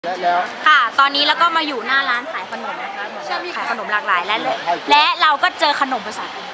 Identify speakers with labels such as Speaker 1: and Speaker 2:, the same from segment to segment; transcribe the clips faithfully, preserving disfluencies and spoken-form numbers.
Speaker 1: แล้วค่ะตอนนี้แล้วก็มาอยู่หน้าร้านขายขนมนะคะขายขนมหลากหลายและและเราก็เจอขนมภาษาอังกฤษ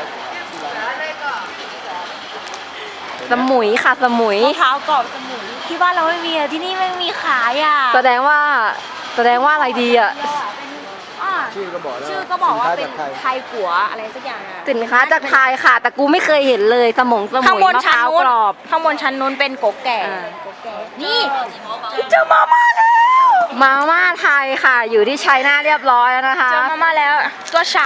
Speaker 2: สมุยค่ะสมุย
Speaker 1: มะพร้าวกรอบสมุยที่บ้านเราไม่มีอะที่นี่ไม่มีขายอ่ะ
Speaker 2: แสดงว่าแสดงว่าอะไรดีอ่ะ
Speaker 1: ชื่อก็บอกชื่อก็บอกว่าเป็นไทยกัวอะไรสักอย่างอะ
Speaker 2: สินค้าจากไทยค่ะแต่กูไม่เคยเห็นเลยสมงสมุยมะพร้าวกรอบ
Speaker 1: ข้างบนชั้นนู้นเป็นโกแก่นี่เจอมาม่าแล้ว
Speaker 2: มาม่าไทยค่ะอยู่ที่ชัยนาทเรียบร้อยแล้วนะคะ
Speaker 1: เจอมาม่าแล้วตัวเฉา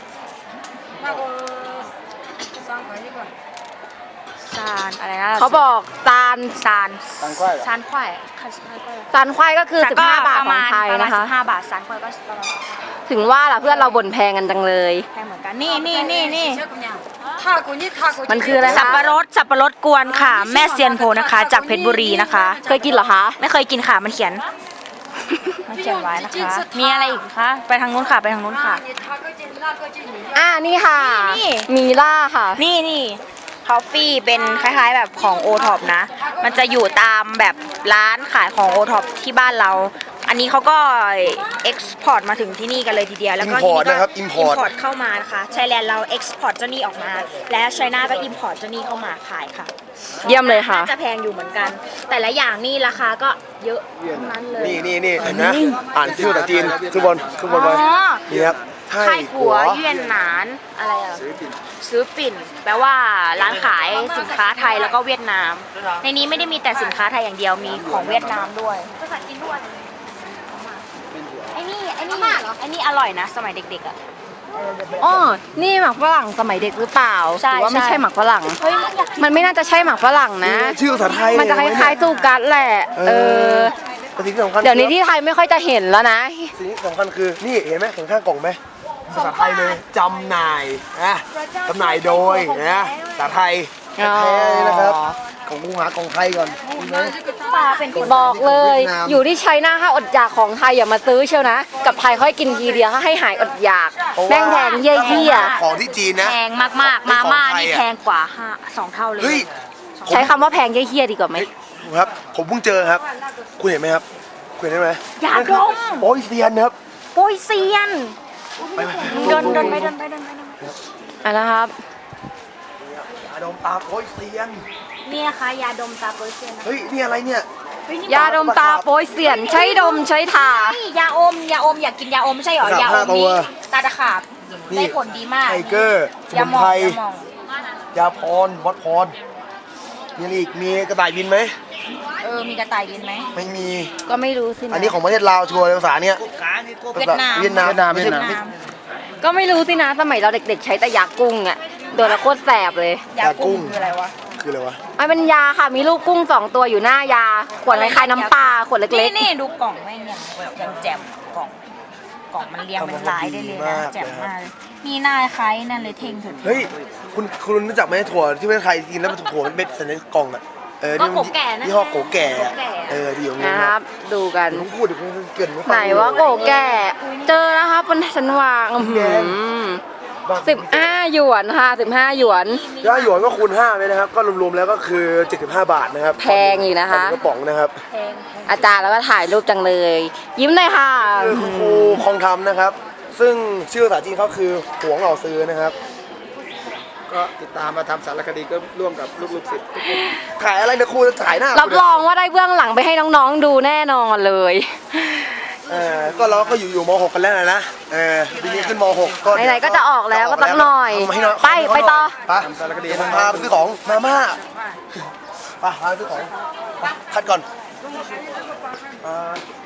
Speaker 1: ซานอะไรนะ
Speaker 2: เขาบอกซาน
Speaker 1: ซานซานควายซานควาย
Speaker 2: ซานควายก็คือสิบห้าบาทของไทยนะคะ
Speaker 1: สิบห้าบาทซานควายก็ประมาณ
Speaker 2: ถึงว่าล่ะเพื่อนเราบ่นแพงกันจังเลย
Speaker 1: แพงเหมือนกันนี่นี่นี่นี่
Speaker 2: มันคืออะไรคะ
Speaker 1: สับปะรดสับปะรดกวนค่ะแม่เซียนโพนะคะจากเพชรบุรีนะคะ
Speaker 2: เคยกินเหรอคะ
Speaker 1: ไม่เคยกินค่ะมันเขียนมันเขียนไว้นะคะมีอะไรอีกคะไปทางนู้นค่ะไปทางนู้นค่ะ
Speaker 2: อ่านี่ค่ะมีล่าค่ะ
Speaker 1: นี่นี่คอฟฟี่เป็นคล้ายๆแบบของโอท็อปนะมันจะอยู่ตามแบบร้านขายของโอท็อปที่บ้านเราอันนี้เขาก็เอ็กซ์พอร์ตมาถึงที่นี่กันเลยทีเดียวแล้วก็
Speaker 3: ทีนี้ก็
Speaker 1: อิมพอร์ตเข้ามานะคะไทยแลนด์เราเอ็กซ์พอร์ตเจ้านี่ออกมาและไชน่าก็อิมพอร์ตเจ้านี่เข้ามาขายค่ะ
Speaker 2: เยี่ยมเลยค่ะ
Speaker 1: น่าจะแพงอยู่เหมือนกันแต่ละอย่างนี่ราคาก็เยอะทั้งนั้นเลย
Speaker 3: นี่นี่นี่เห็นนะอ่านชื่อภาษาจีนทุกบนทุกบนเลยนี่ครับ
Speaker 1: ไทยกัวเวียนหนานอะไรอ่ะซื้อปิ่นแปลว่าร้านขายสินค้าไทยแล้วก็เวียดนามในนี้ไม่ได้มีแต่สินค้าไทยอย่างเดียวมีของเวียดนามด้วยภาษาจีนด้วยไอ้นี่ไอ้นี่ไอ้นี่อร่อยนะสมัยเด็กๆอ่ะ
Speaker 2: อ๋อนี่หมักฝรั่งสมัยเด็กหรือเปล่าหรือว่าไม่ใช่หมักฝรั่งมันไม่น่าจะใช่หมักฝรั่งนะ
Speaker 3: ชื่อภาษาไทย
Speaker 2: มันจะคล้ายๆตูกัสแหละเออเดี๋ยวนี้ที่ไทยไม่ค่อยจะเห็นแล้วนะ
Speaker 3: สิ่งที่สำคัญคือนี่เห็นไหมข้างๆกล่องไหมภาษาไทยเลยจำหน่ายนะจำหน่ายโดยนะภาษาไทยแท้ๆนะครับของกูหากล่องไทยก่อน
Speaker 2: บอกเลยอยู่ที่ชัยนาทถ้าอดอยากของไทยอย่ามาซื้อเชียวนะกับไทยค่อยกินทีเดียวถ้าให้หายอดอยากแม่งแพงเยี่ยเยี่ย
Speaker 3: ของที่จีนนะ
Speaker 1: แพงมากๆมาม่านี่แพงกว่าห้าสองเท่าเลย
Speaker 2: ใช้คำว่าแพงเยี่ยเยี่ยดีกว่าไหม
Speaker 3: ครับผมเพิ่งเจอครับคุณเห็นไหมครับคุณเห็นไหม
Speaker 1: ยาดม
Speaker 3: โป้ยเซียนครับ
Speaker 1: โป้ยเซียนเดินเดินไปเดินไปเดินไปเดินไป
Speaker 2: อ่ะนะครับ
Speaker 3: ยาดมตาโป้ยเซียน
Speaker 1: นี่นะคะยาดมตาโป้ยเซียน
Speaker 3: เฮ้ยนี่อะไรเนี่ย
Speaker 2: ยาดมตาโป้ยเซียนใช้ดมใช้ทาย
Speaker 1: าอมยาอมอยากกินยาอมไม่ใช่หรอยาอมนี้ตาตะขาบได้ผลดีมาก
Speaker 3: ไทเกอร์สมุนไพรยาพรวัดพรมีอะไรอีกมีกระต่ายบินไหม
Speaker 1: เออมีกระต่ายบินไหม
Speaker 3: ไม่มี
Speaker 2: ก็ไม่รู้สิ
Speaker 3: อันนี้ของประเทศลาวชัวร์ภาษาเนี้ย
Speaker 1: เวียดนาม
Speaker 3: เวียดนามเวียดนามเวียดนาม
Speaker 2: ก็ไม่รู้สินะสมัยเราเด็กๆใช้แต่ยากุ้งอ่ะโดนแล้วโคตรแสบเลย
Speaker 1: ยากุ้งคืออะไรวะ
Speaker 3: คืออะไรวะ
Speaker 2: มันเป็นยาค่ะมีลูกกุ้งสองตัวอยู่หน้ายาขวดคล้ายๆน้ำปลาขวดเล็ก
Speaker 1: ๆนี่ดูกล่องไม่เนี่ยยังแจ่มกล่องกล่องมันเรียงเป็นลายได้เลยนะแจ่มมากมีหน้าคล้ายนั่นเลยเท่งถึง
Speaker 3: เฮ้ยคุณคุณรู้จักไหมถั่วที่เป็นไทยกินแล้วมันถั่วมันเป็นสัญลักษณ์กล่องอ่ะเออ
Speaker 1: นี่โกแก่นะ
Speaker 3: ยี่ห้อโกแก่เออดีอย่างนี้
Speaker 2: นะครับดูกัน
Speaker 3: ผมพูดเดี๋ยวผมเกิน
Speaker 2: ไหนว่าโกแก่เจอแล้วครับบนชั้นวางสิบห้าหยวนค่ะสิบห้าหยวน
Speaker 3: ถ้าหยวนก็คูณห้าเลยนะครับก็รวมๆแล้วก็คือเจ็ดสิบห้าบาทนะครับ
Speaker 2: แพงอยู่นะคะ
Speaker 3: กระป๋องนะครับ
Speaker 2: อาจารย์แล้วก็ถ่ายรูปจังเลยยิ้มเลยค่ะ
Speaker 3: คือครูคองทำนะครับซึ่งชื่อภาษาจีนเขาคือหวงเหล่าซื้อนะครับก็ติดตามมาทำสารคดีก็ร่วมกับลูกๆศิษย์ขายอะไรนะครูจะขายหน้า
Speaker 2: รับรองว่าได้เบื้องหลังไปให้น้องๆดูแน่นอนเลย
Speaker 3: เออก็เราก็อยู่อยู่ม หกกันแล้วนะเออปีนี้ขึ้นม หกก็
Speaker 2: ไหนๆก็จะออกแล้วก็สักหน่อยไปไปต่อ
Speaker 3: ไปทำสารคดีผมพาไปซื้อของมาม่าไปพาไปซื้อของคัดก่อน